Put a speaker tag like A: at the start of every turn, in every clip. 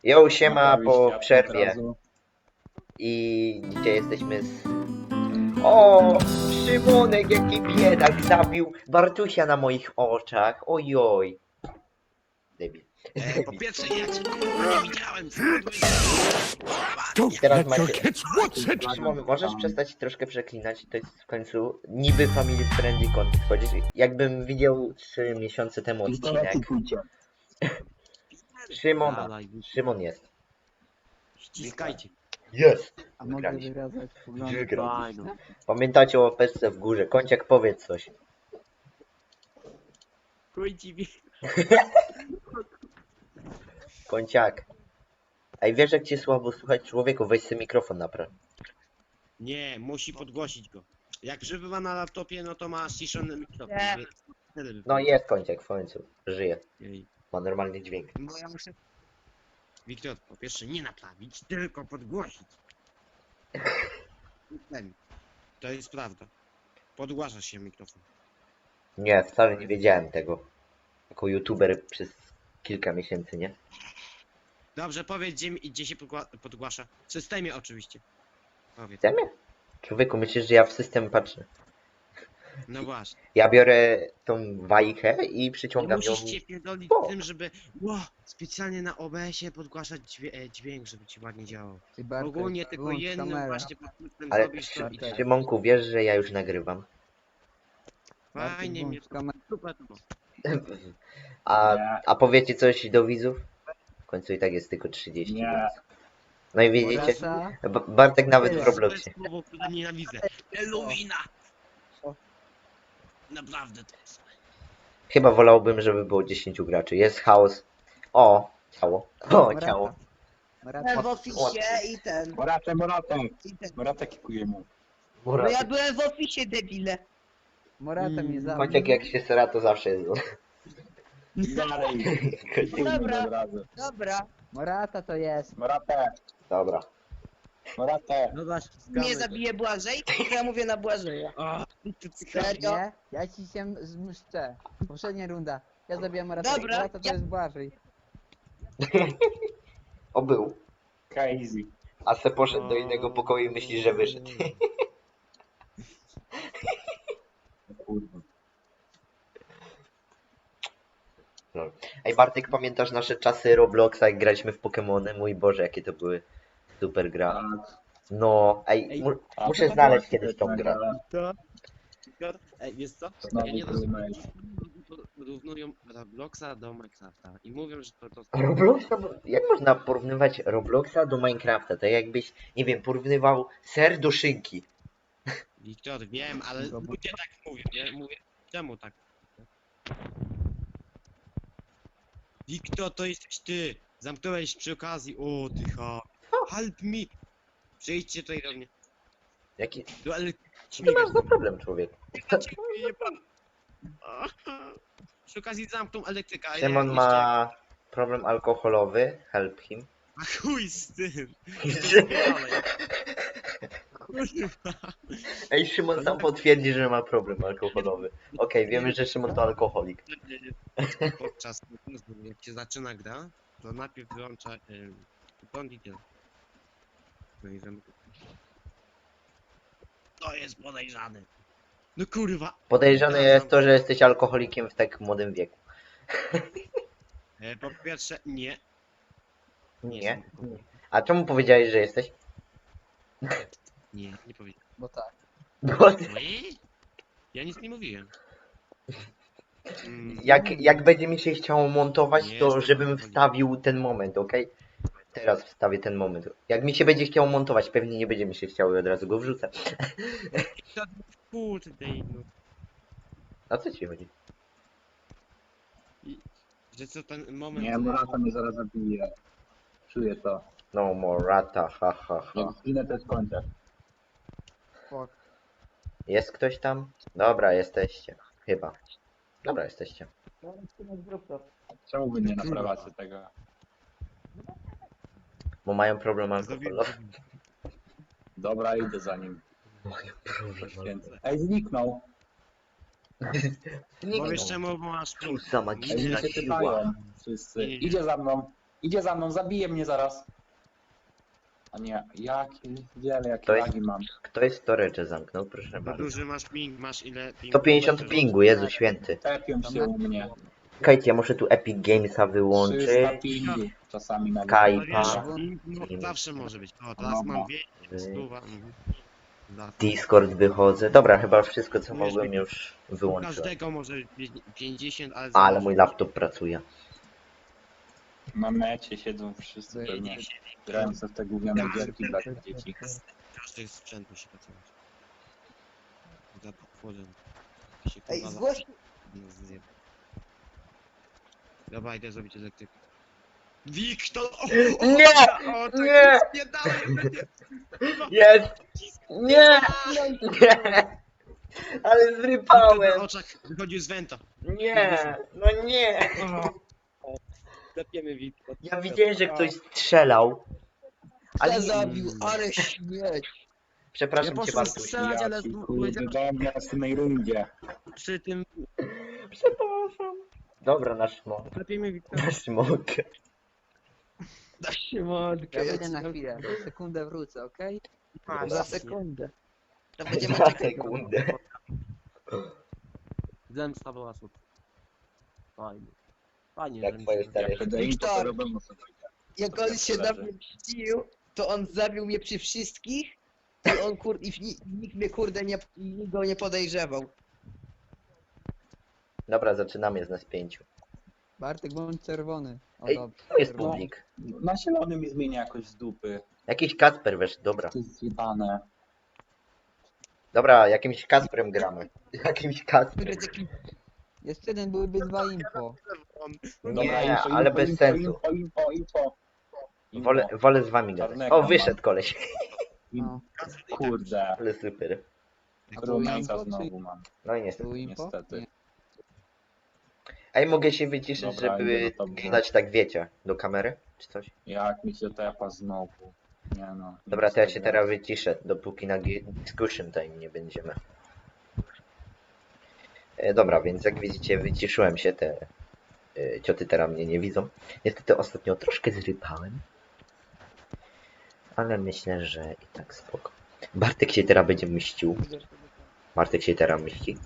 A: Jo, siema
B: Naprawić
A: po
B: światło
A: przerwie.
B: od razu.
A: I dzisiaj jesteśmy z... O! Szymonek, jaki biedak zabił Bartusia na moich oczach. Ojoj. Debil.
C: Po pierwsze, ja cię kurwa nie widziałem,
D: Don't
A: Teraz
D: let your
A: macie...
D: kids watch it!
A: Szymon, możesz przestać troszkę przeklinać? To jest w końcu niby family friendly content. Chodzisz, jakbym widział 3 miesiące temu odcinek. Szymon jest.
C: Ściskajcie.
A: Jest!
E: A mogę
A: Wygraliśmy.
E: wyrazać poglądy
A: Wygrał.
E: polityczne?
A: Pamiętacie o łapeczce w górze. Kąciak, powiedz coś.
C: Chuj ci
A: Kąciak. Ej, wiesz jak cię słabo słuchać? Człowieku, weź sobie mikrofon napraw.
C: Nie, musi podgłosić go. Jak żywy ma na laptopie, no to ma ściszony mikrofon.
F: Nie.
C: więc wtedy by-
A: No jest Kąciak w końcu. Żyje.
C: Jej.
A: Ma normalny dźwięk.
C: Bo ja muszę... Wiktor, po pierwsze nie naprawić, tylko podgłosić. To jest prawda. Podgłasza się mikrofon.
A: Nie, wcale nie wiedziałem tego. Jako youtuber przez kilka miesięcy, nie?
C: Dobrze, powiedz gdzie się podgłasza. W systemie oczywiście. Powiedz.
A: Chcemy? Człowieku, myślisz, że ja w system patrzę.
C: No właśnie.
A: Ja biorę tą wajchę i
C: Nie
A: przyciągam ją.
C: musisz się pierdolić
A: O.
C: tym, żeby specjalnie na OBS-ie podgłaszać dźwięk, żeby ci ładnie działał.
E: Ty Bartek,
C: Ogólnie tylko
E: wyłącz
C: jednym
E: kamerę.
C: właśnie podkluczem
A: Ale
C: zrobisz to i tak.
A: Szymonku, wiesz, że ja już nagrywam.
E: Bartek,
C: Fajnie mnie
E: wyłącz kamerę.
C: super to ma.
A: A powiecie coś do widzów? W końcu i tak jest tylko 30
B: Nie.
A: widzów. No i widzicie?
E: Morasa,
A: Bartek nawet w
E: Tyle.
C: To
A: Robloxie.
C: jest słowo, które nienawidzę. Eluina! Naprawdę to jest.
A: Chyba wolałbym, żeby było 10 graczy. Jest chaos. O, ciało. O,
E: Morata.
A: ciało.
E: Morata.
F: W oficie i ten.
B: Moratę kikuję mu.
F: No ja byłem w oficie, debile.
E: Morata mnie zabił.
A: Kąciak jak się sera, to zawsze jest zły.
B: Dalej.
F: Dobra.
B: Od razu.
F: Dobra.
E: Morata to jest.
B: Moratę.
A: Dobra.
B: Moratę.
C: No właśnie,
F: Mnie zabije Błażej, to ja mówię na Błażeja. Serio?
E: Nie, ja ci się zmszczę. Poprzednia runda. Ja zabijam Moratę.
F: Dobra,
E: Morata to
F: ja-
E: jest Błażej.
A: O, był.
B: Crazy.
A: A se poszedł do innego pokoju i myśli, że wyszedł.
B: Kurwa.
A: No. Ej, Bartek, pamiętasz nasze czasy Robloxa, jak graliśmy w Pokemony? Mój Boże, jakie to były super gra.
B: Tak.
A: No, ej, muszę znaleźć kiedyś tą grę.
C: To? Ej, wiesz co?
B: Znowu
C: Ja nie
B: trudno
C: rozumiem.
B: jest.
C: Porównują Robloxa do Minecrafta i mówią, że to
A: Robloxa? Jak można porównywać Robloxa do Minecrafta? To jakbyś, nie wiem, porównywał ser do szynki.
C: Wiktor, wiem, ale ludzie tak mówią, nie? Mówię, czemu tak? Wiktor, to jesteś ty! Zamknąłeś przy okazji, o ty help me! Przyjdźcie tutaj do mnie.
A: Jaki...
C: Do
A: Co ty masz za problem, człowiek?
C: Przy okazji zamknął elektryka. a
A: Szymon
C: nie
A: ma problem alkoholowy, help him.
C: A chuj z tym! Kurwa.
A: Ej, Szymon sam potwierdzi, że ma problem alkoholowy. Okej, wiemy, że Szymon to alkoholik.
C: Podczas jak się zaczyna gra, to najpierw wyłącza prąd i tyle. No i zamyka. To jest podejrzany. No kurwa.
A: Podejrzane jest to, że jesteś alkoholikiem w tak młodym wieku.
C: Po pierwsze, nie.
A: Nie? A czemu powiedziałeś, że jesteś?
C: Nie powiedziałem.
E: Bo tak.
A: Bo
C: Ja nic nie mówiłem.
A: jak będzie mi się chciało montować,
C: Nie,
A: to
C: jestem
A: żebym
C: alkoholikiem.
A: wstawił ten moment, okej? Teraz wstawię ten moment. Jak mi się będzie chciało montować, pewnie nie będzie mi się chciało i od razu go wrzucę.
C: Kurde, no.
A: A co ci chodzi?
C: Że co ten moment...
B: Nie, Morata mnie zaraz zabije. Czuję to.
A: No more rata, ha ha ha.
B: Jak zginę, to jest kończę.
E: Fuck.
A: Jest ktoś tam? Dobra, jesteście. Chyba. Dobra, jesteście.
B: Czemu wy nie naprawiacie tego?
A: Bo mają problem alkoholowy.
B: Dobra, idę za nim.
A: Mają problem alkoholowy.
B: Ej, zniknął.
A: Nie
C: Bo wiesz
A: wiem.
C: czemu, bo masz
A: Co za
B: Ej,
A: magiczna
B: mnie się
A: siła.
B: pytają wszyscy.
C: Nie.
B: Idzie za mną. Idzie za mną, zabije mnie zaraz. A nie, jakie
A: To jest-
B: lagi mam.
A: Kto jest storage zamknął? Proszę
C: To
A: bardzo.
C: duży masz ping, masz ile pingu?
A: 150 pingu, Jezu święty.
B: Tepią się u mnie.
A: Czekajcie, ja muszę tu Epic Gamesa
B: 300
A: wyłączyć.
B: pingu. Czasami nawet.
A: Skype'a.
C: No wiesz,
A: Pa.
C: no, zawsze może być. O, teraz mam 200, stuwa. Dla
A: Discord wychodzę. Dobra, chyba wszystko co mogłem już wyłączyłem.
C: każdego może być 50, ale...
A: Ale mój laptop pracuje.
B: Na mecie siedzą wszyscy pewnie. Grają sobie w te gówniane gierki dla tych dzieci.
C: Każdy sprzętu się pracować. Za podwórem. Się
F: Ej,
C: kurwa
F: zgłoś...
C: zje. Dobra, idę zrobić elektrykę. Wiktor!
A: Nie!
C: O, tak
A: Nie!
C: Nie dałem!
A: Jest! Nie! Nie! Ale
C: Na
A: zrypałem!
C: oczach wychodził z wenta.
A: Nie! No nie!
C: Lepiemy Wiktor.
A: Ja widziałem, że ktoś strzelał. Ale
F: Ale
A: nie...
F: zabił, ale śmieć.
A: Przepraszam
C: Ja
A: cię
C: poszłem
A: bardzo.
C: strzelać, ale
B: Jaki kurde, dałem w następnej rundzie.
C: przy tym...
A: Przepraszam. Dobra, na szmok.
C: Lepiemy Wiktor.
A: Na szmok.
C: Da się modkę.
E: Ja wyjdę na chwilę, za sekundę wrócę, okej?
F: Za sekundę. To będziemy
A: Za
F: czekać.
A: sekundę.
C: Zemsta była super. Fajnie. Fajnie,
A: Jak
C: że
A: twoje
C: mi się-
A: stare.
B: Jak będę im
F: Wiktor.
B: to robią sobie.
F: Jak on się na mnie mścił, to on zabił mnie przy wszystkich i on nikt mnie kurde nikt go nie podejrzewał.
A: Dobra, zaczynamy z nas 5.
E: Bartek, bądź czerwony. O,
A: Ej,
E: dobrze.
A: To jest
E: czerwony.
A: publik.
B: Na zielony mi zmienia jakoś z dupy.
A: Jakiś Kasper wesz, dobra.
B: To jest zjebane.
A: Dobra, jakimś Kasprem gramy. Jakimś Kasprem.
F: Który taki
E: Jeszcze jeden byłyby 2 info.
A: Nie, ale bez sensu.
B: Info.
A: Wolę z wami gadać.
B: Czarnego
A: O,
B: mam.
A: wyszedł koleś.
E: No.
B: Kurde.
A: Ale super.
E: A było
B: Rumieńca
E: info, czy...
B: znowu mam.
A: No i niestety.
E: Było info?
B: Niestety.
E: Nie.
A: Ej, mogę się wyciszyć,
B: Dobra,
A: żeby
B: idę do tobie.
A: dać tak wiecie, do kamery, czy coś?
B: Jak mi się tepa znowu. Nie no.
A: Dobra, to ja się teraz wyciszę, dopóki na discussion time nie będziemy. Dobra, więc jak widzicie, wyciszyłem się, te cioty teraz mnie nie widzą. Niestety ostatnio troszkę zrypałem. Ale myślę, że i tak spoko. Bartek się teraz będzie mścił. Bartek się teraz mści.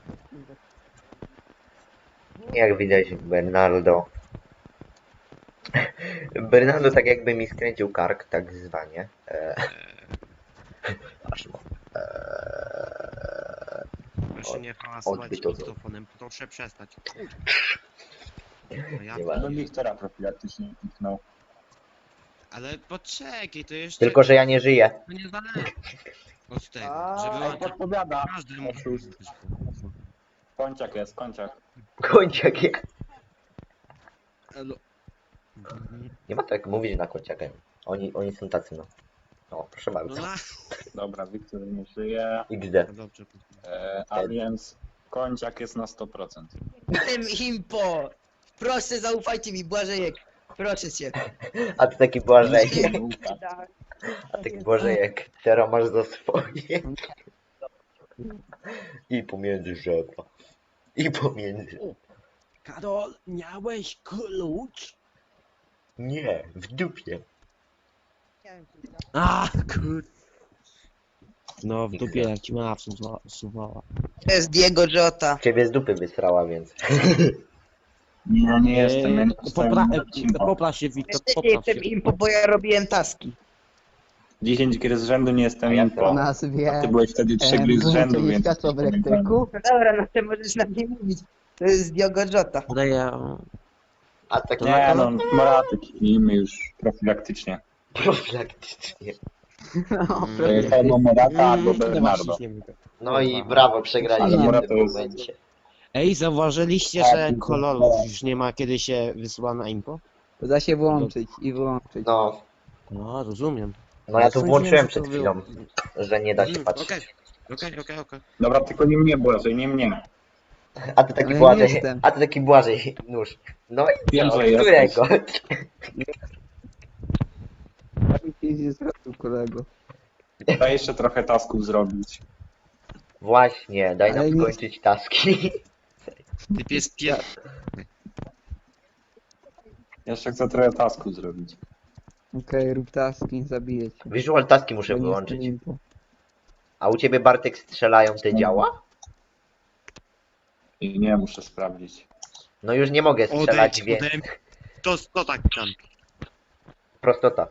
A: Jak widać, Bernardo. Bernardo tak jakby mi skręcił kark, tak zwanie. Aż mo.
C: Proszę nie hałasować
A: odbyt to
C: mikrofonem, proszę przestać. No ja,
A: Nie
B: Ja
A: ma.
B: bym Wiktora profilaktycznie kliknął.
C: ale poczekaj, to jeszcze...
A: Tylko, że ja nie żyję.
C: To nie zależy od tego,
F: A,
C: żeby
B: Ej,
C: on
B: podpowiada.
C: każdy mógł...
B: Oszust. Konciak jest, konciak.
A: Końciak ja.
C: Elo.
A: Nie ma tak mówić na końciakę. Oni są tacy, no. O, proszę
C: No
A: bardzo.
C: na...
B: Dobra, Wiktor nie żyje.
A: XD.
C: No dobrze.
B: A więc konciak jest na 100%.
F: tym impo! Proszę zaufajcie mi, Błażejek. Proszę cię.
A: A ty taki Błażejek.
F: Tak.
A: A taki Błażejek. Teraz masz za swoje. I pomiędzy żebra. I pomiędzy.
C: Karol, miałeś klucz?
A: Nie, w dupie.
C: A, kur... No, w dupie jak ci mama wsuwała.
F: To jest Diego Jota.
A: Ciebie z dupy wysrała, więc.
B: Nie, nie jestem. Ja nie dostałem odcinka.
C: Popraw się, Wiktor,
F: Jeszcze nie
C: popraw się.
F: jestem impo, bo ja robiłem taski.
B: 10 gier z rzędu nie jestem
A: A ja
B: info.
E: O nazwie...
B: A ty byłeś wtedy 3 gry z rzędu, więc...
E: światło w elektryku.
F: No dobra, no to możesz na mnie mówić. To jest Diego Jota.
C: Daję...
A: A tak
B: Nie no, Moraty kliknijmy już profilaktycznie.
A: profilaktycznie.
E: No,
B: Albo Morata, albo Bernardo.
A: No i brawo, przegraliśmy
B: Ale
A: w tym
B: to jest-
A: momencie.
C: Ej, zauważyliście,
B: Tak,
C: że
B: tylko-
C: kolorów już nie ma, kiedy się wysyła na info?
E: to da się włączyć i wyłączyć.
A: No,
C: No, rozumiem.
A: no ja tu
C: Sądziłem,
A: włączyłem
C: że
A: przed
C: to
A: chwilą,
C: było-
A: że nie da się
C: Okej,
A: patrzeć.
C: okej.
B: Dobra, tylko nie mnie Błażej, nie mnie.
A: A ty taki
E: Ale ja
A: Błażej,
E: jestem.
A: a ty taki Błażej nóż. No i
B: Wiem,
A: co,
B: że jesteś.
A: którego?
E: Nic nie zrobił, kolego.
B: Daj jeszcze trochę tasków zrobić.
A: Właśnie, daj nam
E: Ale nie-
A: skończyć taski.
C: Ty pies pier...
B: Jeszcze chcę trochę tasku zrobić.
E: Okej, rób taski, zabiję cię.
A: Visual taski muszę
E: Bo nie
A: wyłączyć.
E: jestem impo.
A: A u ciebie Bartek strzelają te działa?
B: I nie, muszę sprawdzić.
A: No już nie mogę strzelać,
C: Odejdź
A: więc
C: ode mnie. To tak tam.
A: prostota.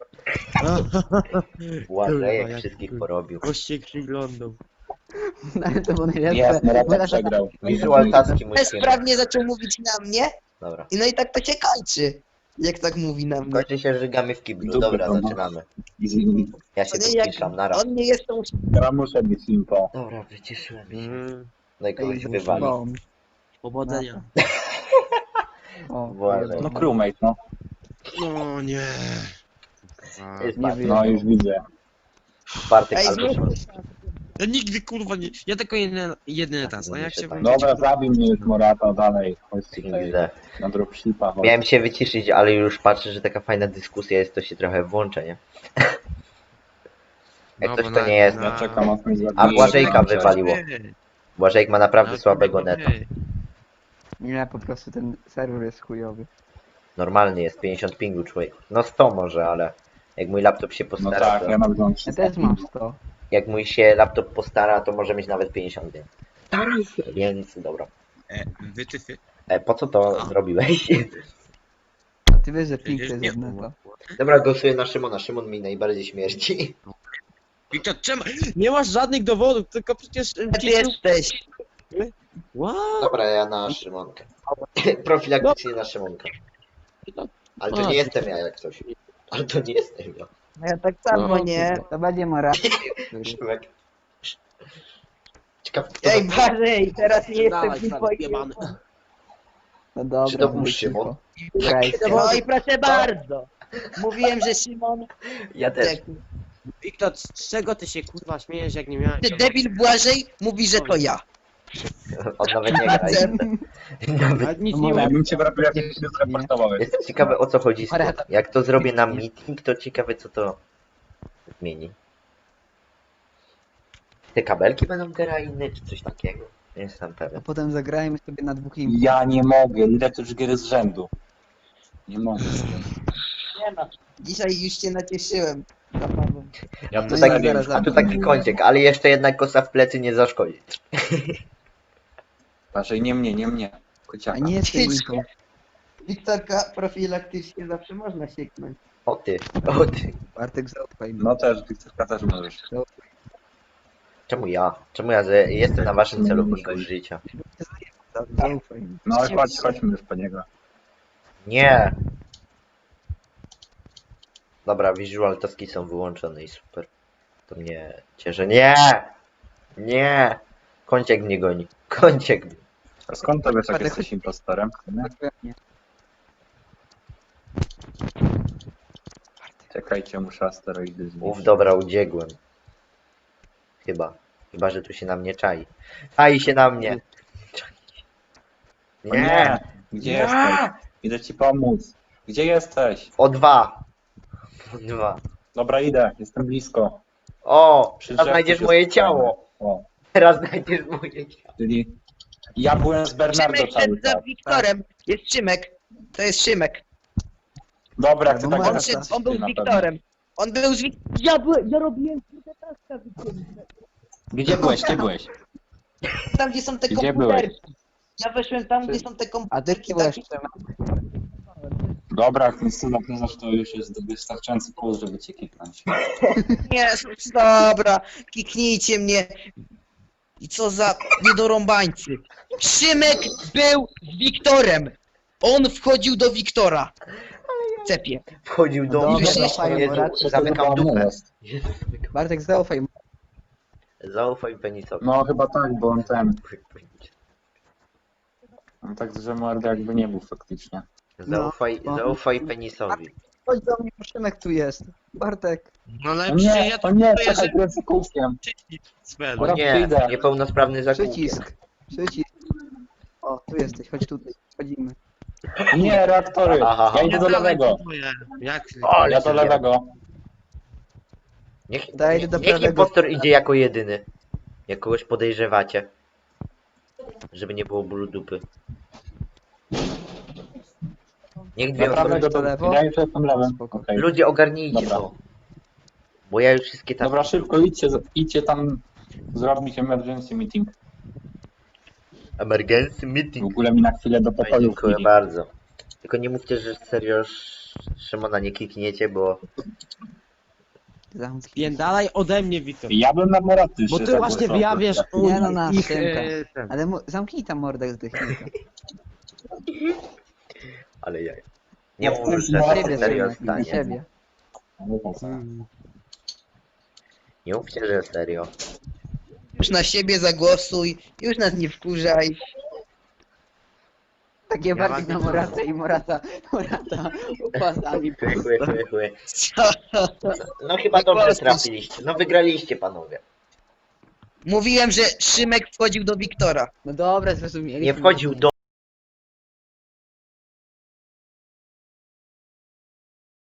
C: Kurwa,
A: Błażejek
C: jak
A: wszystkich
C: kurwa.
A: porobił.
C: Goście przyglądał.
E: No, ale to było najlepsze.
B: Jest,
E: Bo
B: Morata
E: ja
B: przegrał.
A: Visual taski musimy.
F: Bezprawnie zaczął mówić na mnie.
A: Dobra.
F: I no i tak to się kończy. Jak tak mówi na mnie.
A: Kończy się, żygamy w kiblu.
B: Dupy
A: Dobra,
B: to ma.
A: zaczynamy.
B: Easy.
A: Ja się
F: To
A: tu
F: nie jak
A: wpiszam, nara.
F: on nie jest tą
B: Ja muszę być impo.
A: Dobra, wyciszyłem się.
C: Mm,
A: No i kogoś
E: Ej,
A: wywali.
E: bom.
C: powodzenia.
E: O,
A: Błażej.
B: No crewmate, no.
C: No nie. Kurwa.
A: Jest
E: Nie
A: Bartek.
B: No już widzę.
A: Bartek
F: Ej,
A: albo
F: zrób
A: Szymon.
C: Ja nigdy kurwa nie. Ja tylko jedyny raz. No jak się
A: Dobra,
C: wrócić.
B: Dobra, zabij mnie już Morata, dalej. Chodźcie tutaj
A: Widzę.
B: na dropshipa. chodź.
A: Miałem się wyciszyć, ale już patrzę, że taka fajna dyskusja jest, to się trochę włączę, nie? Jak
C: Dobra,
A: coś to nie jest.
B: Ja czekam, aż mnie
A: A
B: zabije.
A: Błażejka wywaliło. Błażejek ma naprawdę słabego neta.
E: Nie, po prostu ten serwer jest chujowy.
A: Normalny jest, 50 pingu człowiek. No 100 może, ale jak mój laptop się
B: No
A: postara,
B: tak,
A: to...
B: ja nagrywam
E: Ja
B: 300.
E: też mam 100.
A: Jak mój się laptop postara, to może mieć nawet 50, więc... Więc dobra.
C: Wytyfy.
A: Po co to
C: A.
A: zrobiłeś?
E: A ty wiesz, że pink to
C: Przecież
E: jest
C: nie.
E: jedno to.
A: Dobra, głosuję na Szymona. Szymon mi najbardziej śmierci.
C: Wiktor, czemu? Nie masz żadnych dowodów, tylko przecież...
F: Ty jesteś.
C: What?
A: Dobra, ja na Szymonkę. Profilaktycznie na Szymonkę. Ale to nie jestem ja jak coś. Ale to nie jestem ja.
F: No ja tak samo,
C: No,
F: nie?
E: To będzie Morat.
A: Szymek. Ciekawe, kto
F: Ej, Barzej, teraz nie jestem
C: Dawaj,
F: tylko
C: stary, jebany.
E: No dobra.
A: Czy to był
E: będzie
A: Szymon?
E: cicho. Grajcie.
F: No i proszę bardzo. Mówiłem, że Szymon...
A: Ja też.
C: Wiktor, z czego ty się kurwa śmiejesz, jak nie miałeś...
F: Ty debil Błażej mówi, że to ja.
A: On nawet nie gra. Nawet...
C: Ale nic
E: No
C: nie
B: Ja
C: ma.
B: bym cię prawie jakiś się zreportował.
A: Jestem ciekawy o co chodzi z tym. Jak to zrobię na meeting, to ciekawe co to zmieni. Te kabelki będą inne, czy coś takiego? Nie jestem
E: A
A: pewien.
E: potem zagrajmy sobie na dwóch imp.
B: Ja nie mogę, ile to już gier z rzędu. Nie mogę z tym.
F: Nie no. Dzisiaj już cię nacieszyłem. Zabawą.
B: Ja
A: No
B: to
A: i
B: tak
E: zaraz
A: A tu taki kącik, ale jeszcze jednak kosa w plecy nie zaszkodzi.
B: Patrzaj, nie mnie, nie mnie.
E: A
B: Kociaka.
E: nie jestem impą.
F: Wiktorka, profilaktycznie zawsze można sieknąć.
A: O ty, o ty.
E: Bartek, zaufaj mi.
B: No też, Wiktorka też możesz.
A: Czemu ja? Czemu ja jestem na waszym celowniku życia?
E: Zaufaj mi.
B: No ale chodźmy już po niego.
A: Nie! Dobra, visual taski są wyłączone i super. To mnie cieszy. Nie! Nie! Kąciek mnie goni. Kąciek.
B: A skąd to wiesz, jak jesteś impostorem? Nie? Czekajcie, muszę asteroidy zniszczyć.
A: Uf, dobra, udziegłem. Chyba. Chyba, że tu się na mnie czai. Czai się na mnie.
B: O
A: Nie!
B: nie! Gdzie
A: Nie!
B: jesteś? Idę ci pomóc. Gdzie jesteś?
A: O 2. O 2.
B: Dobra, idę, jestem blisko.
A: O!
B: Przy
A: Teraz
B: drzewku
A: znajdziesz
B: się
A: moje
B: spotkajmy.
A: ciało.
B: O,
A: Teraz znajdziesz moje ciało.
B: czyli ja byłem z Bernardo
F: Szymek
B: cały
F: szedł za
B: czas.
F: Wiktorem. Jest Szymek. To jest Szymek.
B: Dobra, chcę
E: Albo
B: tak
E: Marta.
F: On,
B: gadać,
F: szedł, on był
B: ty
F: z
B: na pewno.
F: Wiktorem. On był z Wiktorem. Ja robiłem kurde taska Wiktorem.
B: Gdzie byłeś? Gdzie byłeś?
F: Tam gdzie są te
B: Gdzie
F: komputerki. Ja weszłem tam, gdzie są te
E: A ty
F: komputerki.
E: byłeś
F: takie-
B: Dobra, jak ten synek nazywasz, to już jest wystarczający plus, żeby cię kiknąć.
F: Nie, dobra. Kiknijcie mnie. I co za niedorąbańcy. Szymek był z Wiktorem. On wchodził do Wiktora. Cepie.
A: Wchodził do
E: Dobra,
A: mnie.
E: zaufaj,
A: Jezu,
E: Morat.
A: zamykam dupę.
E: Bartek, zaufaj mi.
A: Zaufaj penisowi.
B: No chyba tak, bo on ten... On tak, że mordy jakby nie był faktycznie.
A: Zaufaj penisowi.
E: Chodź do mnie, bo Szymek tu jest. Bartek.
C: No ale
B: O
C: przecież
B: nie,
C: ja
B: o nie,
C: to
B: czekaj, kręcę kółkiem.
C: Spell.
A: O
B: Dobra,
A: nie,
B: przyjdę.
A: niepełnosprawny zakupie.
E: Przycisk. Przycisk. O, tu jesteś, chodź tutaj. Chodzimy.
B: Nie, reaktory.
A: Aha.
B: Ja idę do lewego.
C: Jak?
A: O,
B: Ja do lewego.
E: Daj do
A: Niech
E: prawego.
A: impostor idzie jako jedyny. Jak kogoś podejrzewacie. Żeby nie było bólu dupy. Niech dwie
B: Naprawdę
A: osoby...
B: do
E: lewo?
B: Ja już jestem lewym.
E: Spoko.
B: Okej.
A: Ludzie, ogarnijcie
B: Dobra.
A: to. Bo ja już wszystkie taski...
B: Dobra, szybko idźcie tam zrobić emergency meeting.
A: Emergency
B: W
A: meeting.
B: ogóle mi na chwilę do
A: No i
B: pokoju
A: dziękuję
B: wbili.
A: bardzo. Tylko nie mówcie, że serio Szymona nie kikniecie, bo...
E: Zamknij.
C: Spierdalaj ode mnie, Wiktor.
B: Ja bym na Moraty
C: Bo
B: się
C: ty właśnie
B: zagłosował.
C: wyjawiasz
E: Nie no, na
C: ich...
E: Szymka.
C: ten.
E: Ale zamknij tam mordę zdechnijka.
A: Ale ja... Nie
B: No,
A: mów, że
B: na
A: tak
E: Siebie,
A: serio
E: Szymek, na
A: stanie.
E: siebie.
A: Nie mówcie, że serio.
F: Już na siebie zagłosuj, już nas nie wkurzaj.
E: Takie bardziej na
C: mam-
E: Morata i Morata upasami.
A: Chły.
F: Co?
A: No chyba
F: Nie
A: dobrze
F: kłamstwo.
A: trafiliście. No wygraliście, panowie.
F: Mówiłem, że Szymek wchodził do Wiktora.
E: No dobra, zrozumieliśmy.
A: Nie wchodził do